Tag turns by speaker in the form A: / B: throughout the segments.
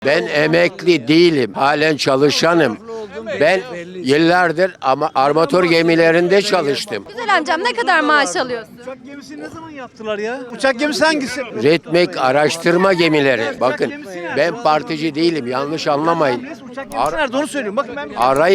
A: Ben emekli değilim. Halen çalışanım. Ben yıllardır ama armatör gemilerinde çalıştım.
B: Güzel amcam, ne kadar maaş alıyorsun?
C: Uçak gemisi ne zaman yaptılar ya? Uçak gemisi hangisi?
A: Retmek araştırma gemileri. Bakın ben partici değilim. Yanlış anlamayın.
C: Uçak gemisi nerede onu söylüyorum. Bakın ben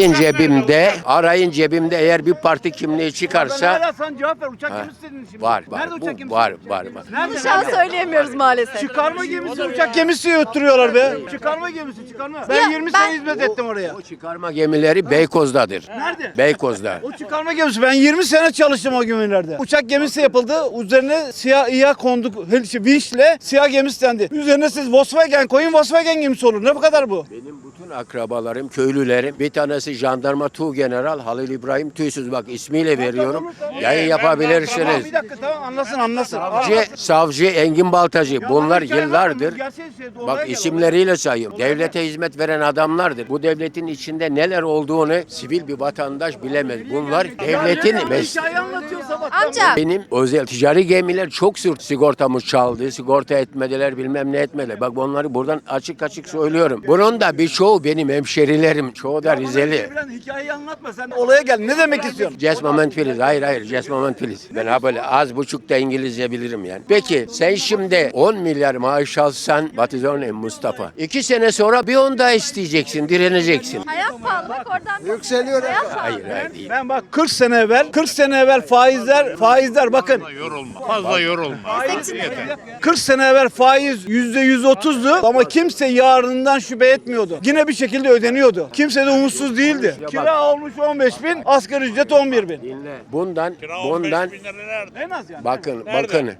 A: Arayın cebimde eğer bir parti kimliği çıkarsa
C: hala sen cevap ver. Uçak gemisi dedin şimdi.
A: var.
C: Nerede uçak
A: Bu
C: gemisi?
A: var.
C: Nerede?
B: Şu an söyleyemiyoruz maalesef.
C: Çıkarma gemisi uçak gemisi öttürüyorlar be. Çıkarma gemisi çıkarma. Ben 20 sene hizmet ettim oraya.
A: O çıkarma gemileri Beykoz'dadır.
C: Nerede?
A: Beykoz'da.
C: O çıkarma gemisi. Ben 20 sene çalıştım o gemilerde. Uçak gemisi yapıldı. Üzerine siyah İHA konduk. Vinçle siyah gemisi dendi. Üzerine siz Volkswagen koyun, Volkswagen gemisi olur. Ne bu kadar bu?
A: Benim bütün akrabalarım, köylülerim, bir tanesi jandarma Tuğgeneral Halil İbrahim Tüysüz, bak ismiyle veriyorum. Yayın yapabilirsiniz.
C: Bir dakika tamam anlasın.
A: Savcı Engin Baltacı, bunlar yıllardır, bak isimleriyle sayıyorum, devlete hizmet veren adamlardır. Bu devletin içinde neler olduğunu sivil bir vatandaş bilemez. Bunlar devletin
C: Hikaye anlatıyor sabah.
B: Amca,
A: benim özel ticari gemiler çok sigortamız çaldı, sigorta etmediler, bilmem ne etmediler. Bak bunları buradan açık söylüyorum. Bunun da birçoğu benim hemşerilerim, çoğu da Rizeli.
C: Hikayeyi anlatma sen olaya gel. Ne demek istiyorsun?
A: Just moment please. Hayır. Just moment please. Ben ha böyle az buçuk da İngilizce bilirim yani. Peki sen şimdi 10 milyar maaş alsan, what is your name Mustafa? 2 sene sonra bir 10 daha isteyeceksin, direneceksin.
B: hayat pahalı, bak oradan.
C: Yükseliyor.
A: Hayır değil.
C: Ben bak 40 sene evvel faizler bakın.
D: Fazla yorulma.
C: 40 sene evvel faiz %130'du ama kimse yarından şüphe etmiyordu. Yine bir şekilde ödeniyordu. Kimse de umutsuz değildi. Kira olmuş 15 bin, asgari ücret 11 bin.
A: Dinle. Bundan
C: En az yani.
A: bakın
D: Nerede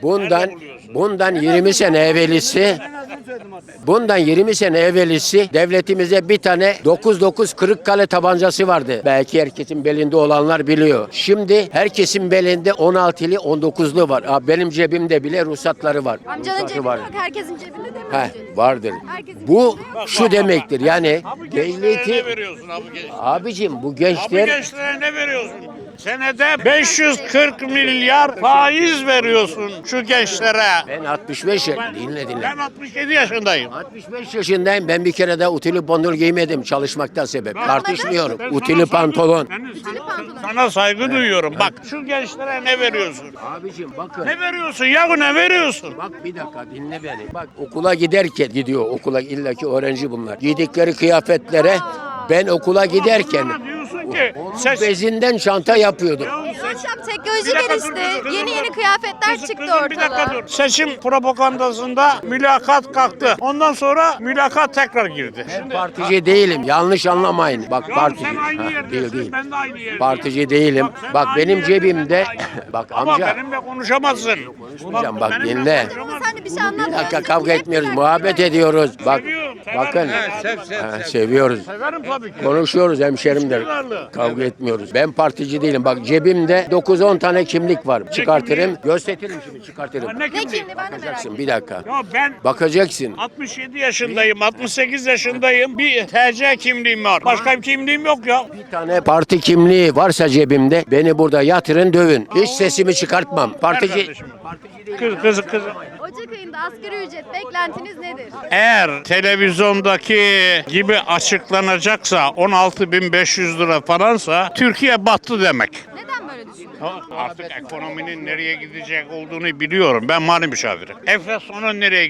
A: bundan 20 sene evvelisi
C: En azını söyledim artık.
A: Bundan 20 sene evvelisi devletimize bir tane 9 Kırıkkale tabancası vardı. Belki herkesin belinde olanlar biliyor. Şimdi herkesin belinde 16'lı 19'lu var. Benim cebimde bile ruhsatları var.
B: Amcanın
A: Ruhsatı
B: cebinde
A: var.
B: yok, herkesin cebinde de mi?
A: Vardır.
B: Herkesin
A: Bu
B: cebinde yok.
A: şu demektir yani
D: Gençlere
A: devleti
D: ne veriyorsun abi gençlere?
A: abicim bu
D: Abi
A: gençler
D: gençlere ne veriyorsun? Senede 540 milyar faiz veriyorsun şu gençlere.
A: ben 65 dinle.
D: Ben 67 yaşındayım.
A: 65 yaşındayım. Ben bir kere de utili pantolon giymedim çalışmaktan sebep. Tartışmıyorum.
D: Ben
A: Utili
D: sana
A: pantolon.
D: Sana saygı duyuyorum. Bak şu gençlere ne veriyorsun?
A: Abicim bakın.
D: Ne veriyorsun yahu ne veriyorsun?
A: Bak bir dakika dinle beni. Bak okula giderken gidiyor okula illaki öğrenci bunlar. Giydikleri kıyafetlere ben okula giderken
D: Bana diyorsun ki
A: onun
D: ses...
A: bezinden çanta yapıyordum.
B: Amcam teknoloji
D: Bir dakika
B: gelişti.
D: dur, kızım,
B: Yeni
D: dur.
B: kıyafetler
D: Kızım,
B: çıktı
D: kızım, bir dakika
B: ortalığa.
D: dur. Seçim propagandasında mülakat kalktı. Ondan sonra mülakat tekrar girdi. Şimdi
A: Partici değilim. Yanlış anlamayın. Bak
D: ya
A: partici.
D: sen aynı yerdesin,
A: Değil.
D: ben de aynı yerdeyim.
A: Partici değilim.
D: sen
A: Bak
D: aynı
A: benim
D: yerde, ben de
A: cebimde
D: aynı.
A: bak
D: Ama
A: amca
D: benimle konuşamazsın.
A: konuşmayacağım, bak
D: benimle
A: dinle.
D: konuşamazsın.
B: Sen de bir şey anlat.
A: Bir dakika kavga etmiyoruz. Muhabbet ediyoruz. Bak
D: Seviyorum,
A: bakın.
D: severim.
A: Seviyoruz.
D: Severim tabii ki.
A: Konuşuyoruz hemşerimdir.
D: Varlığı.
A: Kavga etmiyoruz. Ben partici değilim. Bak cebimde 9-10 tane kimlik var. Çıkartırım. Gösteririm şimdi çıkartırım.
D: Ne
B: Ne
D: kimliği?
B: kimdi ben de merak
A: Bakacaksın
B: ettim.
A: bir dakika.
D: Ya ben
A: Bakacaksın.
D: 67 yaşındayım, 68 yaşındayım. Bir TC kimliğim var. Başka bir kimliğim yok ya.
A: Bir tane parti kimliği varsa cebimde beni burada yatırın dövün. Hiç sesimi çıkartmam. Partici
D: Kız.
B: Ocak ayında asgari ücret beklentiniz nedir?
D: Eğer televizyondaki gibi açıklanacaksa 16.500 lira falansa Türkiye battı demek.
B: Neden böyle düşünüyorsun?
D: Artık ekonominin nereye gidecek olduğunu biliyorum. Ben mali müşavirim. Enflasyonun nereye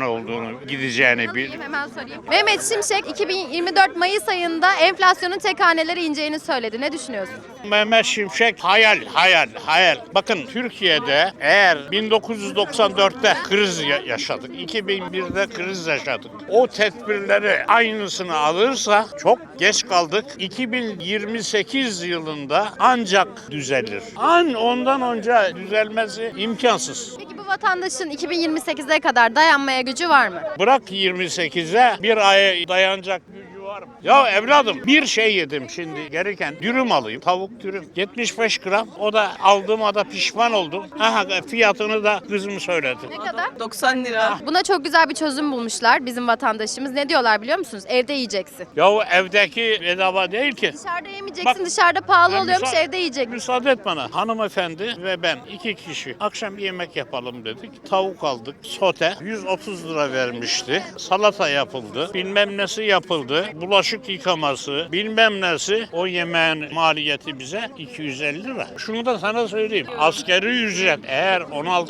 D: gideceğini
B: Sorayım, hemen sorayım. Mehmet Şimşek 2024 Mayıs ayında enflasyonun tek hanelere ineceğini söyledi. Ne düşünüyorsun?
D: Mehmet Şimşek hayal. Bakın Türkiye'de eğer 1994'te kriz yaşadık, 2001'de kriz yaşadık. O tedbirleri aynısını alırsa çok geç kaldık. 2028 yılında ancak düzelir. Ondan önce düzelmesi imkansız.
B: Peki bu vatandaşın 2028'e kadar dayanmaya gücü var mı?
D: Bırak 28'e bir ay dayanacak gücü var mı? Ya evladım bir şey yedim şimdi gereken dürüm alayım. Tavuk dürüm. 75 gram. O da aldığıma da pişman oldum. Aha fiyatını da kızım söyledi.
B: Ne kadar?
E: 90 lira.
B: Buna çok güzel bir çözüm bulmuşlar bizim vatandaşımız. Ne diyorlar biliyor musunuz? Evde yiyeceksin.
D: Ya o evdeki bedava değil ki.
B: Dışarıda yemeyeceksin.
D: Bak,
B: dışarıda pahalı
D: Ya
B: oluyormuş,
D: müsa-
B: evde yiyeceksin.
D: Müsaade et bana. Hanımefendi ve ben 2 kişi akşam bir yemek yapalım dedik. Tavuk aldık. Sote 130 lira vermişti. Salata yapıldı. Bilmem nesi yapıldı. Bulaşık yıkaması. Bilmem nesi. O yemeğin maliyeti bize 250 lira. Şunu da sana söyleyeyim. Asgari ücret eğer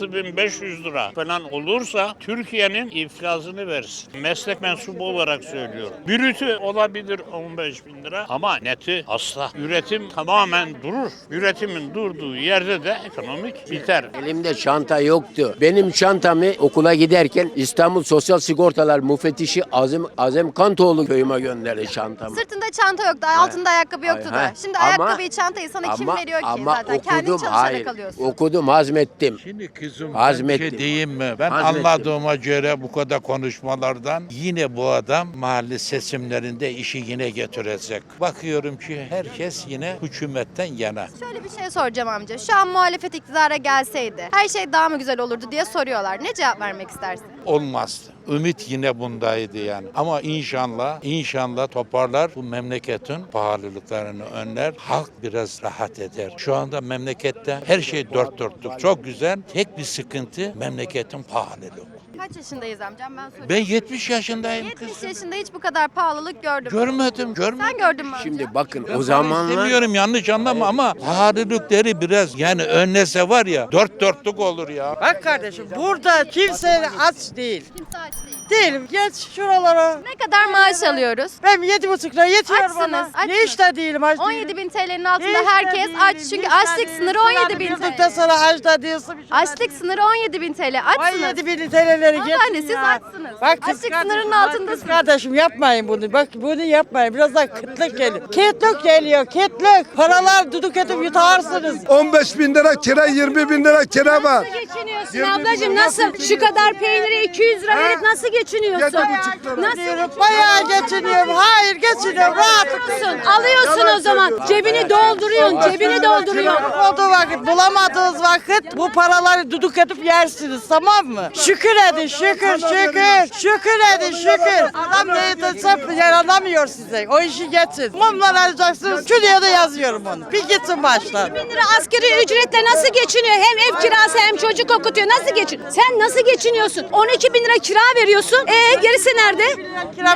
D: 16.500 lira falan olursa Türkiye'nin iflasını versin. Meslek mensubu olarak söylüyorum. Brütü olabilir 15 bin lira ama neti asla. Üretim tamamen durur. Üretimin durduğu yerde de ekonomik biter.
A: Elimde çanta yoktu. Benim çantamı okula giderken İstanbul Sosyal Sigortalar Müfettişi Azem Kantoğlu köyüme gönderdi çantamı.
B: Sırtında çanta yoktu, altında ayakkabı yoktu da.
A: Ha,
B: Şimdi
A: ama-
B: ayakkabıyı, çantayı sana kim veriyor ki zaten? Kendin çalışarak
A: hayır,
B: alıyorsun.
A: okudum, hazmettim.
F: Şimdi kızım ben bir
A: Hazmettim.
F: şey diyeyim mi? Ben
A: Hazmettim.
F: anladığıma göre bu kadar konuşmalardan yine bu adam mahalle seçimlerinde işi yine getirecek. Bakıyorum ki herkes yine hükümetten yana.
B: Şöyle bir şey soracağım amca. Şu an muhalefet iktidara gelseydi her şey daha mı güzel olurdu diye soruyorlar. Ne cevap vermek istersin?
F: Olmazdı. Ümit yine bundaydı yani. Ama inşallah toparlar bu memleketin pahalılıklarını önler. Halk biraz rahat eder. Şu anda memlekette her şey dört dörtlük. Çok güzel. Tek bir sıkıntı memleketin pahalılığı.
B: Kaç yaşındayız amcam ben soruyorum.
F: Ben 70 yaşındayım
B: 70
F: kızım.
B: yaşında hiç bu kadar pahalılık gördüm.
F: Görmedim.
B: Sen gördün mü amca?
A: Şimdi bakın
F: Ben
A: o
F: para
A: zamanlar
F: istemiyorum yanlış anlama ama pahalılıkları biraz yani önlese var ya dört dörtlük olur ya.
E: Bak kardeşim burada kimse aç değil.
B: Kimse aç değil.
E: Değilim. Geç şuralara.
B: Ne kadar maaş alıyoruz?
E: Ben 7,5 lira yetiyor
B: Açsınız,
E: bana.
B: açsınız.
E: Ne işte değilim aç
B: 17
E: değilim.
B: bin TL'nin altında
E: Hiç de
B: herkes
E: değilim,
B: aç.
E: hiç
B: Çünkü
E: de
B: açlık
E: değilim.
B: sınırı
E: Sana
B: 17 bin
E: bildikten
B: TL.
E: sonra aç da diyorsun. bir şeyler
B: Açlık
E: değil.
B: sınırı 17 bin TL. Açsınız.
E: 17 bin TL'leri
B: Vallahi
E: geçin
B: siz
E: ya.
B: açsınız.
E: Bak kız
B: Açlık
E: kardeşim,
B: sınırının
E: bak
B: altındasınız.
E: Kız kardeşim yapmayın bunu. Bak bunu yapmayın. Biraz daha kıtlık geliyor. Kıtlık geliyor. Kıtlık. Paralar duduk edip yutarsınız.
G: 15 bin lira kira, 20 bin lira kira var.
H: Geçiniyorsun ablacığım nasıl? Şu kadar peyniri 200 lira verip nasıl geçiniyorsun?
G: 7,5 lira.
H: Nasıl
E: Bayağı geçiniyorum. Hayır geçiniyorum. Rahat.
H: geçiniyorsun? Alıyorsun o zaman. Cebini dolduruyorsun, cebini dolduruyorsun.
E: Olduğu vakit bulamadığınız vakit bu paraları duduk edip yersiniz tamam mı? Şükür edin şükür şükür. Şükür edin şükür. Adam ne desem yaranamıyor size. O işi geçin. Mumlar alacaksınız. Şuraya da yazıyorum onu. Bir gitsin baştan.
H: 1000 lira asgari ücretle nasıl geçiniyor? Hem ev kirası hem çocuk okutuyor. Nasıl geçin? Sen nasıl geçiniyorsun? 12 bin lira kira veriyorsun. Gerisi nerede?
E: Kira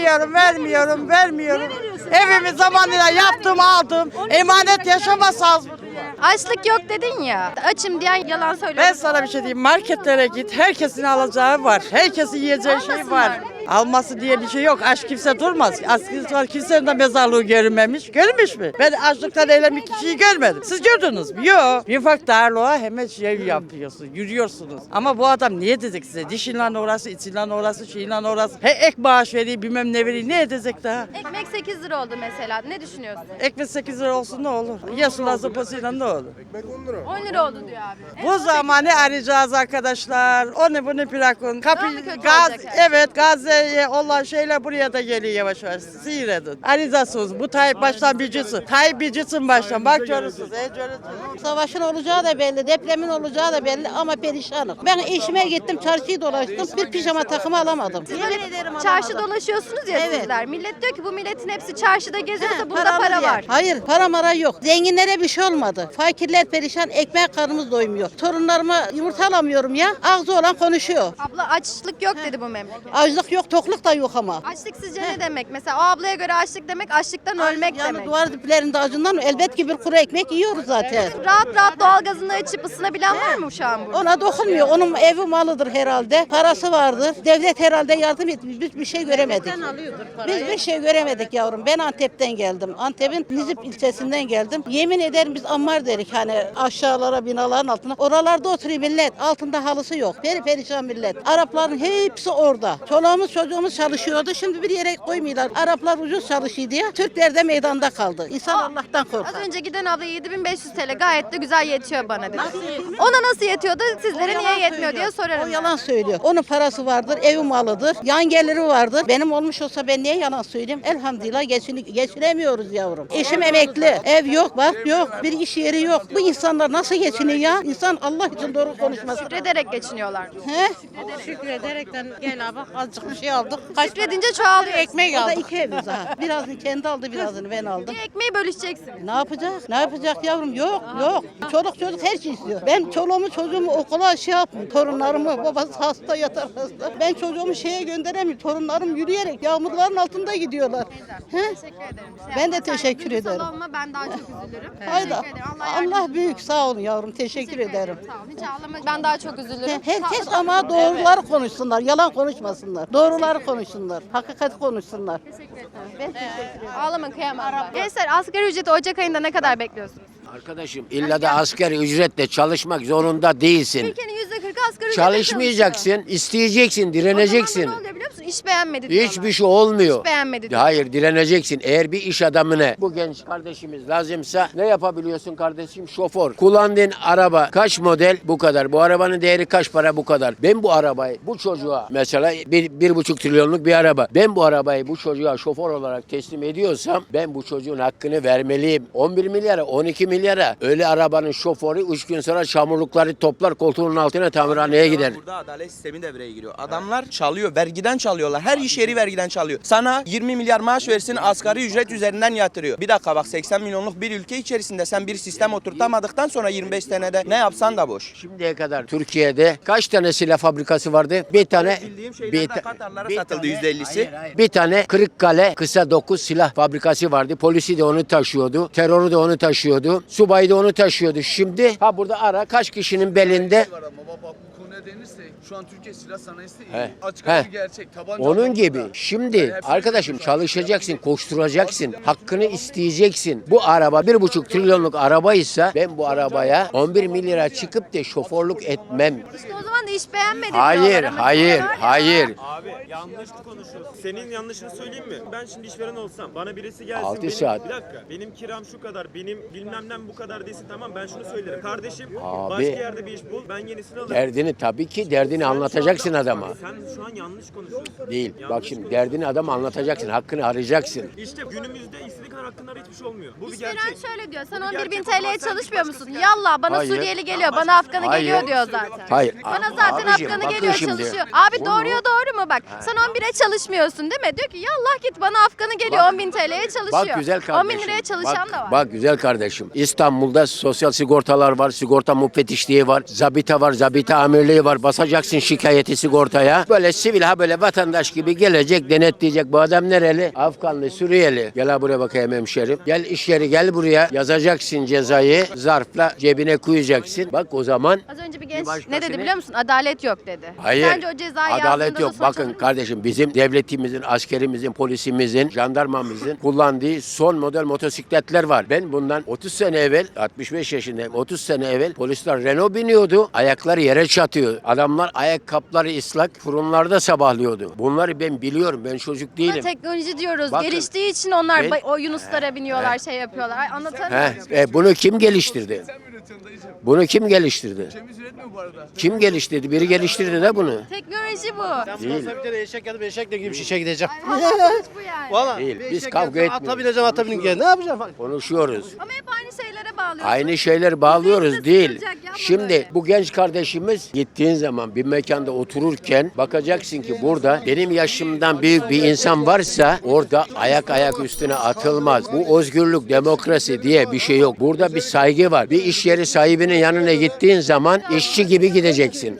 E: vermiyorum. Evimi zamanıyla yaptım aldım. Emanet yaşamazsınız.
B: Açlık yok dedin ya. Açım diyen yalan söylüyor.
E: Ben sana bir şey diyeyim. Marketlere git. Herkesin alacağı var. Herkesin yiyeceği şey var. Alması diye bir şey yok. Aç kimse durmaz. Aç kimse, kimsenin de mezarlığı görünmemiş. Görmüş mü? Ben açlıktan ölen bir kişiyi görmedim. Siz gördünüz mü? Yok. Bir ufak darlığa hemen şey yapıyorsun. Yürüyorsunuz. Ama bu adam niye edecek size? Dişinle uğrası, içinle uğrası, şeyinle uğrası. Ek maaş veriyor, bilmem ne veriyor. Ne edecek daha?
B: Ekmek 8 lira oldu mesela. Ne düşünüyorsun?
E: Ekmek 8 lira olsun ne olur? Yeşil sopasıyla ne olur?
B: 10 lira oldu diyor abi.
E: Bu zamanı arayacağız arkadaşlar. Onu bunu bırakın.
B: Daha mı kötü
E: Gaz,
B: olacak her şey?
E: evet Gazze'ye olan şeyler buraya da geliyor yavaş yavaş. Seyredin. Arayacağız. Bu Tayyip baştan bilcisin. Tayyip bilcisin baştan. Bak görürsünüz. Görürsünüz.
I: Savaşın olacağı da belli, depremin olacağı da belli ama perişanım. Ben işime gittim, çarşıyı dolaştım, bir pijama takımı alamadım. Yemin ederim
B: Çarşı
I: alamadım.
B: dolaşıyorsunuz ya
I: Evet.
B: sizler. Millet diyor ki bu milletin hepsi çarşıda geziyorsa
I: He,
B: burada
I: paralı
B: para
I: yer.
B: var.
I: Hayır, para mara yok. Zenginlere bir şey olmadı. Fakirler perişan, ekmek karnımız doymuyor. Torunlarıma yumurta alamıyorum ya. Ağzı olan konuşuyor.
B: Abla açlık yok dedi bu memleket.
I: Açlık yok, tokluk da yok ama.
B: Açlık sizce ne demek? Mesela o ablaya göre açlık demek açlıktan ölmek
I: Yani
B: demek.
I: duvar diplerinde acından elbet ki bir kuru ekmek yiyoruz zaten.
B: Rahat rahat doğalgazını açıp ısınabilen var mı şu an burada?
I: Ona dokunmuyor. Onun evi malıdır herhalde. Parası vardır. Devlet herhalde yardım etmiş. Biz bir şey göremedik. Biz bir şey göremedik yavrum. Ben Antep'ten geldim. Antep'in Nizip ilçesinden geldim. Yemin ederim biz ammar derik hani aşağılara binaların altına. Oralarda oturuyor millet. Altında halısı yok. Perişan millet. Arapların hepsi orada. Çoluğumuz çocuğumuz çalışıyordu. Şimdi bir yere koymuyorlar. Araplar ucuz çalışıyor diye. Türkler de meydanda kaldı. İnsan Allah'tan korkar.
B: Az önce giden abla 7500 TL gayet de güzel yetiyor bana dedi. Ona nasıl yetiyordu? Sizlere niye yetmiyor diye sorarım.
I: O
B: ben.
I: yalan söylüyor. Onun parası vardır, evi malıdır, yan geliri vardır. Benim olmuş olsa ben niye yalan söyleyeyim? Elhamdülillah geçinemiyoruz yavrum. Eşim emekli, ev yok, bak yok, bir iş yeri yok. Bu insanlar nasıl geçiniyor ya? İnsan Allah için doğru konuşması.
B: Şükrederek geçiniyorlar.
I: He?
H: Şükrederekten gel abi azıcık bir şey aldık.
B: Şükredince çoğalıyor.
H: Ekmek
I: O da
H: aldık.
I: iki evimiz ha. Birazını kendi aldı, birazını ben aldım.
B: Bir ekmeği bölüşeceksiniz.
I: Ne yapacak? Ne yapacak yavrum? Yok, yok. Çoluk çocuk her şey istiyor. Ben çoluğumu çocuğumu okula şey yapmıyorum. Torunlarımı, babası hasta yatar hasta. Ben çocuğumu şeye gönderemiyorum. Torunlarım yürüyerek yağmurların altında gidiyorlar. He?
B: Teşekkür ederim.
I: Ben de
B: Sen
I: teşekkür
B: duygusal
I: ederim.
B: olma, ben daha çok üzülürüm.
I: Hayda.
B: Teşekkür ederim. Allah yardımcınız
I: Allah
B: olsun.
I: büyük sağ olun yavrum. Teşekkür ederim.
B: Sağ olun. Hiç ağlama. Ben daha çok üzülürüm.
I: Herkes ama doğruları konuşsunlar. Yalan konuşmasınlar. Doğruları konuşsunlar. Hakikati konuşsunlar. Ben teşekkür ederim.
B: Ağlama kıyamam. Gençler asgari ücreti Ocak ayında ne kadar bekliyorsunuz?
A: Arkadaşım illa da asgari ücretle çalışmak zorunda değilsin.
B: Ülkenin %40'ı asgari ücretle
A: Çalışmayacaksın, isteyeceksin,
B: çalışıyor.
A: direneceksin.
B: O zaman ne oluyor biliyor musun? İş beğenmedi diyorlar.
A: Hiçbir şey olmuyor.
B: Hiç beğenmedi diyorlar.
A: Hayır, direneceksin. Eğer bir iş adamına bu genç kardeşimiz lazımsa ne yapabiliyorsun kardeşim? Şoför. Kullandığın araba kaç model? Bu kadar. Bu arabanın değeri kaç para? Bu kadar. Ben bu arabayı bu çocuğa mesela 1,5 trilyonluk bir araba. Ben bu arabayı bu çocuğa şoför olarak teslim ediyorsam ben bu çocuğun hakkını vermeliyim. 11 milyara, 12 milyara öyle arabanın şoförü 3 gün sonra çamurlukları toplar koltuğunun altına tamirhaneye gider.
J: Burada adalet sistemi devreye giriyor. Adamlar çalıyor, vergiden çalıyorlar. Her iş yeri vergiden çalıyor. Sana 20 milyar maaş versin, asgari ücret üzerinden yatırıyor. Bir dakika bak, 80 milyonluk bir ülke içerisinde sen bir sistem oturtamadıktan sonra 25 senede ne yapsan da boş.
A: Şimdiye kadar Türkiye'de kaç tane silah fabrikası vardı? Bir tane.
J: Bildiğim şeylerden Katarlara satıldı %50'si.
A: Bir tane Kırıkkale kısa 9 silah fabrikası vardı. Polisi de onu taşıyordu. Terörü de onu taşıyordu. Subayı da onu taşıyordu. Şimdi burada ara kaç kişinin belinde.
C: Var ama baba bu konuya denirse şu an Türkiye silah sanayisi iyi.
A: He.
C: Açık
A: He.
C: bir gerçek. Tabanca
A: Onun
C: alımı
A: gibi.
C: da.
A: Şimdi arkadaşım çalışacaksın, koşturacaksın, hakkını isteyeceksin. Bu araba 1,5 trilyonluk arabaysa ben bu arabaya 11 milyara çıkıp da şoförlük etmem.
B: İşte o zaman da iş beğenmedi
A: Hayır,
B: diyorlar ama
A: hayır,
B: diyorlar ya.
A: hayır.
K: Abi yanlış konuşuyorsun. Senin yanlışını söyleyeyim mi? Ben şimdi işveren olsam bana birisi gelsin
A: 6
K: benim,
A: saat.
K: bir dakika benim kiram şu kadar, benim bilmemden bu kadar desin, tamam ben şunu söylerim. Kardeşim
A: Abi.
K: başka yerde bir iş bul, ben yenisini alırım.
A: Derdini tabii ki derdini anlatacaksın adama.
K: Sen şu an yanlış konuşuyorsun.
A: Değil.
K: Yanlış
A: Bak şimdi derdini adama anlatacaksın, hakkını arayacaksın.
K: İşte günümüzde istediğin kadar hakkında hiçbir şey olmuyor. Bu bir
B: İşveren
K: gerçek.
B: şöyle diyor. Sen
K: Bu
B: 11.000
K: gerçek.
B: TL'ye
K: Ama sen
B: çalışmıyor
K: bir
B: musun?
K: başkası
B: Yallah bana
A: Hayır.
B: Suriyeli geliyor, bana Afganı
A: Hayır.
B: geliyor diyor zaten.
A: Hayır.
B: Bana zaten
A: Abicim,
B: Afganı
A: bakın
B: geliyor
A: şimdi.
B: çalışıyor. Abi
A: Bunu-
B: doğruya doğru mu bak? Sen 11'e çalışmıyorsun değil mi? Diyor ki yallah git bana Afganı geliyor 10.000 TL'ye çalışıyor.
A: Bak güzel kardeşim.
B: 10.000 liraya çalışan
A: Bak,
B: da var.
A: Bak güzel kardeşim. İstanbul'da sosyal sigortalar var, sigorta müfettişliği var, zabita var, zabita amirliği var. Basacaksın şikayeti sigortaya. Böyle sivil böyle vatandaş gibi gelecek, denetleyecek. Bu adam nereli? Afganlı, Suriyeli. Gel ha buraya bakayım hemşerim. Gel iş yeri gel buraya. Yazacaksın cezayı. Zarfla cebine koyacaksın. Bak o zaman
B: Az önce bir genç
A: başkasını-
B: ne dedi biliyor musun? Adalet yok dedi.
A: hayır.
B: Sence o cezayı
A: Adalet
B: yazdığında da
A: yok.
B: sonuç
A: Bakın
B: alır mı?
A: kardeşim bizim devletimizin, askerimizin, polisimizin, jandarmamızın kullandığı son model motosikletler var. Ben bundan 30 sene evvel, 65 yaşındayım. 30 sene evvel polisler Renault biniyordu. Ayakları yere çatıyor. Adamlar ayakkabıları ıslak fırınlarda sabahlıyordu. Bunları ben biliyorum. Ben çocuk
B: Ama
A: değilim.
B: teknoloji diyoruz.
A: Bakın,
B: Geliştiği için onlar
A: ben-
B: o Yunuslara biniyorlar, şey yapıyorlar. Ay, anlatamıyorum.
A: Bunu kim geliştirdi? Bunu kim geliştirdi?
C: Temiz üretmiyor bu arada.
A: Kim geliştirdi? Biri geliştirdi de bunu.
B: Teknoloji bu.
A: Değil.
K: Bir kere eşek ya da eşekle gibi şişe gideceğim.
B: Ay, sonuç bu yani.
K: Valla.
A: Değil. Biz kavga etmiyoruz.
K: Ata bineceğim. Ne yapacağım?
A: Konuşuyoruz.
B: Ama hep aynı şeylere bağlıyorsun.
A: Aynı şeyler bağlıyoruz
B: Yüzde
A: değil.
B: sıkılacak, yapma
A: Şimdi
B: böyle.
A: bu genç kardeşimiz gittiğin zaman bir mekanda otururken bakacaksın ki burada benim yaşımdan büyük bir insan varsa orada ayak üstüne atılmaz. Bu özgürlük, demokrasi diye bir şey yok. Burada bir saygı var. Bir iş yeri sahibinin yanına gittiğin zaman işçi gibi gideceksin.